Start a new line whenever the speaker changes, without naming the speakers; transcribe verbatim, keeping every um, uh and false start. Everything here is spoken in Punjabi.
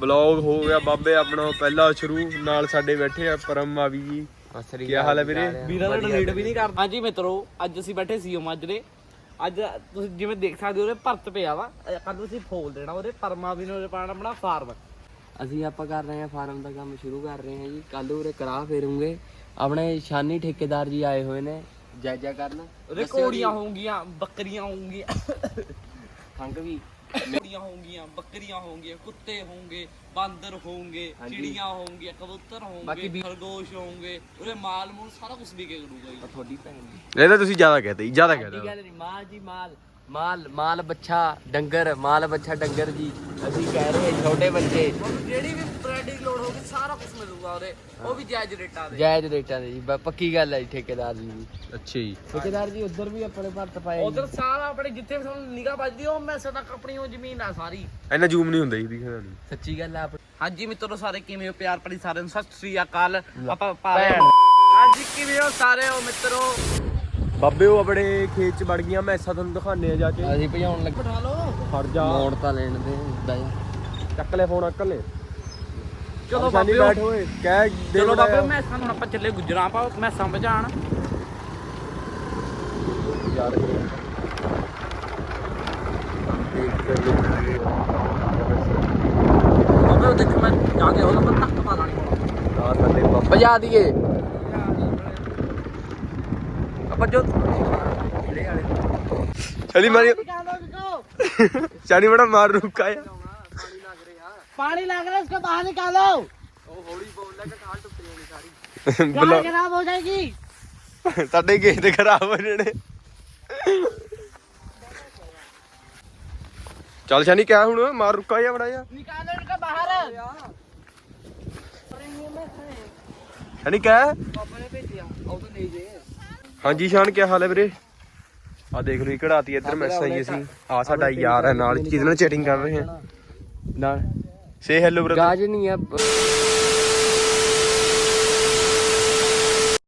ਬਲੌਗ ਹੋ ਗਿਆ ਬਾਬੇ ਆਪਣਾ ਪਹਿਲਾ ਸ਼ੁਰੂ। ਨਾਲ ਸਾਡੇ ਬੈਠੇ ਆ ਪਰਮ ਮਾਵੀ ਜੀ। ਕੀ ਹਾਲ ਹੈ ਵੀਰੇ?
ਵੀਰਾਂ ਦਾ ਡਿਲੀਟ ਵੀ ਨਹੀਂ ਕਰਦਾ। ਹਾਂਜੀ ਮਿੱਤਰੋ, ਅੱਜ ਅਸੀਂ ਬੈਠੇ ਸੀ ਮਾਜਰੇ। ਅੱਜ ਤੁਸੀਂ ਜਿਵੇਂ ਦੇਖ ਸਕਦੇ ਹੋ ਉਹਦੇ ਭਰਤ ਪਿਆ ਵਾ, ਕੱਲ ਅਸੀਂ ਫੋਲ ਦੇਣਾ ਉਹਦੇ ਪਰਮਾ ਵੀ ਨੇ ਪਾਣਾ ਆਪਣਾ ਫਾਰਮ।
ਅਸੀਂ ਆਪਾਂ ਕਰ ਰਹੇ ਹਾਂ ਫਾਰਮ ਦਾ ਕੰਮ ਸ਼ੁਰੂ ਕਰ ਰਹੇ ਹਾਂ ਜੀ। ਕੱਲ ਉਰੇ ਕਰਾਹ ਫੇਰੂਗੇ। ਆਪਣੇ ਸ਼ਾਨੀ ਠੇਕੇਦਾਰ ਜੀ ਆਏ ਹੋਏ ਨੇ ਜਾਇਜ਼ਾ ਕਰਨ।
ਉਹਦੇ ਘੋੜੀਆਂ ਹੋਣਗੀਆਂ, ਬੱਕਰੀਆਂ ਹੋਣਗੀਆਂ,
ਖੰਗ ਵੀ
ਘੋੜੀਆਂ ਹੋਣਗੀਆਂ, ਬੱਕਰੀਆਂ ਹੋਣਗੀਆਂ, ਕੁੱਤੇ ਹੋਣਗੇ, ਬਾਂਦਰ ਹੋਣਗੇ, ਚਿੜੀਆਂ ਹੋਣਗੀਆਂ, ਕਬੂਤਰ ਹੋਣਗੇ, ਖਰਗੋਸ਼ ਹੋਣਗੇ। ਉਹਦੇ ਮਾਲ ਮੂਲ ਸਾਰਾ ਕੁਝ ਵਿਕੇ ਕਰੂਗਾ ਜੀ।
ਤੁਹਾਡੀ ਭੈਣ ਦੀ
ਇਹ ਤਾਂ ਤੁਸੀਂ ਜ਼ਿਆਦਾ ਕਹਤੇ ਜ਼ਿਆਦਾ ਕਹਤੇ
ਗੱਲ ਨਹੀਂ। ਮਾਲ ਜੀ ਮਾਲ ਮਾਲ ਮਾਲ ਬੱਚਾ ਡੰਗਰ ਮਾਲ ਬੱਚਾ ਡੰਗਰ ਜੀ। ਅਸੀਂ ਕਹਿ ਰਹੇ ਹਾਂ ਛੋਟੇ ਬੱਚੇ
ਜਿਹੜੀ ਵੀ ਬ੍ਰੈਡ ਦੀ ਲੋੜ ਹੋਊਗੀ ਸਾਰਾ ਕੁਝ ਮਿਲੂਗਾ ਉਹਦੇ, ਉਹ ਵੀ ਜਾਇਜ਼ ਰੇਟਾਂ ਦੇ।
ਜਾਇਜ਼ ਰੇਟਾਂ ਦੇ ਜੀ, ਪੱਕੀ ਗੱਲ ਹੈ ਜੀ। ਠੇਕੇਦਾਰ ਜੀ ਵੀ
ਅੱਛਾ ਜੀ।
ਠੇਕੇਦਾਰ ਜੀ ਉਧਰ ਵੀ ਆਪਣੇ ਭਰਤ ਪਾਏ।
ਉਧਰ ਸਾਰਾ ਆਪਣੇ ਜਿੱਥੇ ਵੀ ਤੁਹਾਨੂੰ ਨਿਗਾਹ ਵੱਜਦੀ ਉਹ ਮੈਸੇ ਤੱਕ ਆਪਣੀ ਉਹ ਜ਼ਮੀਨ ਆ ਸਾਰੀ।
ਇੰਨਾ ਜ਼ੂਮ ਨਹੀਂ ਹੁੰਦਾ ਜੀ ਦਿਖਦਾ ਨਹੀਂ।
ਸੱਚੀ ਗੱਲ ਹੈ।
ਹਾਂਜੀ ਮਿੱਤਰੋ, ਸਾਰੇ ਕਿਵੇਂ ਹੋ? ਪਿਆਰ ਭਰੀ ਸਾਰਿਆਂ ਨੂੰ ਸਤਿ ਸ੍ਰੀ ਅਕਾਲ। ਆਪਾਂ ਪਾ ਰਹੇ ਹਾਂ। ਹਾਂਜੀ ਕਿਵੇਂ ਹੋ ਸਾਰੇ ਹੋ ਮਿੱਤਰੋ?
ਬਾਬੇ ਉਹ ਆਪਣੇ ਖੇਤ ਚ ਵੜ ਗਈਆਂ ਮੈਸਾਂ, ਤੁਹਾਨੂੰ ਦਿਖਾਣੇ ਆ ਜਾ ਕੇ।
ਅਸੀਂ ਭਜਾਉਣ ਲੱਗੇ।
ਬਿਠਾ ਲਓ।
ਫੜ ਜਾ
ਮੋੜ ਤਾਂ ਲੈਣ ਦੇ ਏਦਾਂ ਹੀ।
ਚੱਕ ਲੈ ਫੋਨ ਅਕਲ ਲੈ।
ਚਲੋ ਬਾਬੇ
ਬੈਠ ਹੋਏ ਕਹਿ ਦੇ।
ਚਲੋ ਬਾਬੇ ਮੈਂ ਸਾਨੂੰ ਆਪਾਂ ਚੱਲੇ ਗੁਜਰਾਂ ਪਾ ਮੈਸਾਂ ਭਜਾਣ।
ਯਾਰ
ਬਾਬੇ ਉਹ ਦੇਖ ਮੈਂ ਜਾ ਕੇ ਉਹਨਾਂ ਪਰ ਧੱਕ ਪਾ ਲਾਣੀ ਹੁਣ।
ਆ ਸਾਡੇ ਬਾਬਾ
ਭਜਾ ਦੀਏ
ਆਪਾਂ ਜੋ
ਚਲੀ ਮਾਰੀ ਚਾਣੀ ਬੜਾ ਮਾਰ ਰੁਕਾ ਆ।
पानी लग रहा है, इसको बाहर निकालो।
ਹੌਲੀ ਬੋਲ ਲੈ ਕਿ ਠਾਲ ਟੁੱਟ ਜਾਣੀ ਸਾਰੀ।
गाय खराब हो जाएगी।
ਸਾਡੇ ਗੇਟ ਖਰਾਬ ਹੋ ਜਾਣੇ। ਚੱਲ ਸ਼ਾਨੀ ਕਿਆ ਹੁਣ ਮਾਰ ਰੁਕਾ ਜਾ ਬੜਾ ਜਾ।
निकालो इनको बाहर।
ਸ਼ਾਨੀ ਕਿਆ?
ਪਾਪਾ ਨੇ ਭੇਜਿਆ ਉਹ ਤਾਂ ਨਹੀਂ ਜੇ।
ਹਾਂਜੀ ਸ਼ਾਨ ਕੀ ਹਾਲ ਹੈ ਵੀਰੇ? ਆ ਦੇਖ ਲਓ ਕਢਾਤੀ ਇੱਧਰ ਮੈਸਾਂ ਹੀ ਅਸੀਂ। ਆ ਸਾਡਾ ਯਾਰ ਹੈ ਨਾਲ ਜਿਹਦੇ ਨਾਲ ਚੈਟਿੰਗ ਕਰ ਰਹੇ ਹਾਂ ਨਾਲ। ਸੇ ਹੈਲੋ ਬ੍ਰਦਰ।
ਗਾਜ ਨਹੀਂ ਆ।